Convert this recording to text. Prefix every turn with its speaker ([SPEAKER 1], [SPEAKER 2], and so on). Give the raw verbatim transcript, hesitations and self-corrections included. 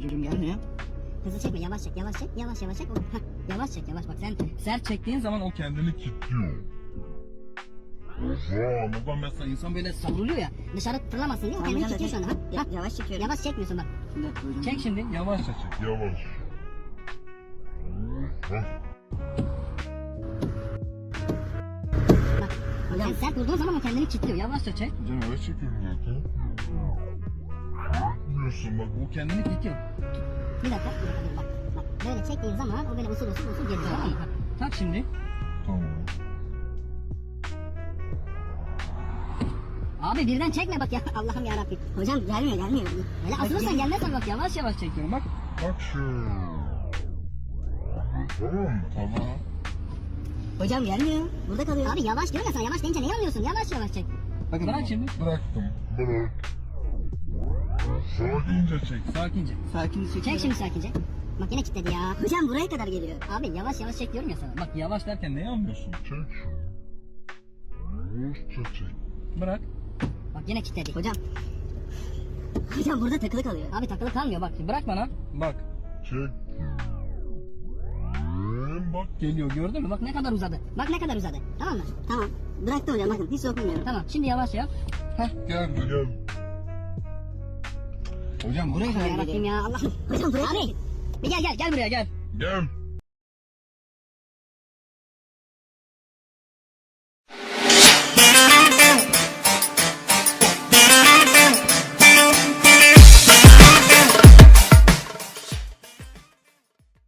[SPEAKER 1] çekiyorum, gelmiyor.
[SPEAKER 2] Hızlı çekme, yavaş çek, yavaş çek, yavaş yavaş çek. Heh, yavaş çek, yavaş bak sen
[SPEAKER 1] Sert çektiğin zaman o kendini kilitliyor. Oha, buradan mesela insan böyle
[SPEAKER 2] savruluyor ya. Dışarı fırlamasın diye o kendini kilitliyor şu anda. Ha? Ha?
[SPEAKER 3] Yavaş çekiyorum.
[SPEAKER 2] Yavaş çekmiyorsun bak.
[SPEAKER 1] çek şimdi, yavaşça çek. Yavaş.
[SPEAKER 2] Bak, sen sert vurduğun zaman o kendini kilitliyor.
[SPEAKER 1] Yavaşça çek.
[SPEAKER 4] Hocam yavaş çekiyorum zaten.
[SPEAKER 1] Yapmıyorsun bak, o kendini kilitliyor.
[SPEAKER 2] Bir dakika, bir dakika dur bak. Bak böyle çektiğin zaman o böyle usul usul usul geliyor. Tamam mı?
[SPEAKER 1] Tak şimdi.
[SPEAKER 4] Tamam.
[SPEAKER 2] Abi birden çekme bak ya. Allah'ım yarabbim. Hocam gelmiyor gelmiyor. Öyle asılırsan gelmez tabii bak.
[SPEAKER 1] Yavaş yavaş çekiyorum bak.
[SPEAKER 4] Bak şu. Tamam mı?
[SPEAKER 1] Tamam.
[SPEAKER 2] Hocam gelmiyor. Burada kalıyor. Abi yavaş diyorum ya sana. Yavaş deyince neyi anlıyorsun? Yavaş yavaş çek.
[SPEAKER 1] Bakın bırak şimdi.
[SPEAKER 4] Bıraktım. Bırak. Sakince çek.
[SPEAKER 1] Sakince.
[SPEAKER 3] Sakin çek.
[SPEAKER 2] Çek şimdi sakince. Bak yine kilitledi ya. Hocam buraya kadar geliyor. Abi yavaş yavaş çek diyorum ya sana.
[SPEAKER 1] Bak yavaş derken neyi anlıyorsun?
[SPEAKER 4] Çek şu. Yavaşça çek.
[SPEAKER 1] Bırak.
[SPEAKER 2] Bak yine kilitledi. Hocam. Hocam burada takılı kalıyor. Abi takılı kalmıyor bak.
[SPEAKER 1] Bırak bana. Bak.
[SPEAKER 4] Çek.
[SPEAKER 1] Bak geliyor, gördün mü? Bak ne kadar uzadı.
[SPEAKER 2] Bak ne kadar uzadı. Tamam mı? Tamam. Bıraktı hocam bakın hiç dokunmuyorum.
[SPEAKER 1] Tamam şimdi yavaş yap. Heh.
[SPEAKER 4] Gel gel.
[SPEAKER 1] Hocam buraya kadar
[SPEAKER 2] Yarabbim
[SPEAKER 1] geliyor.
[SPEAKER 2] ya Allah'ım. Hocam buraya. Abi. Bir gel gel gel buraya gel.
[SPEAKER 4] Gel.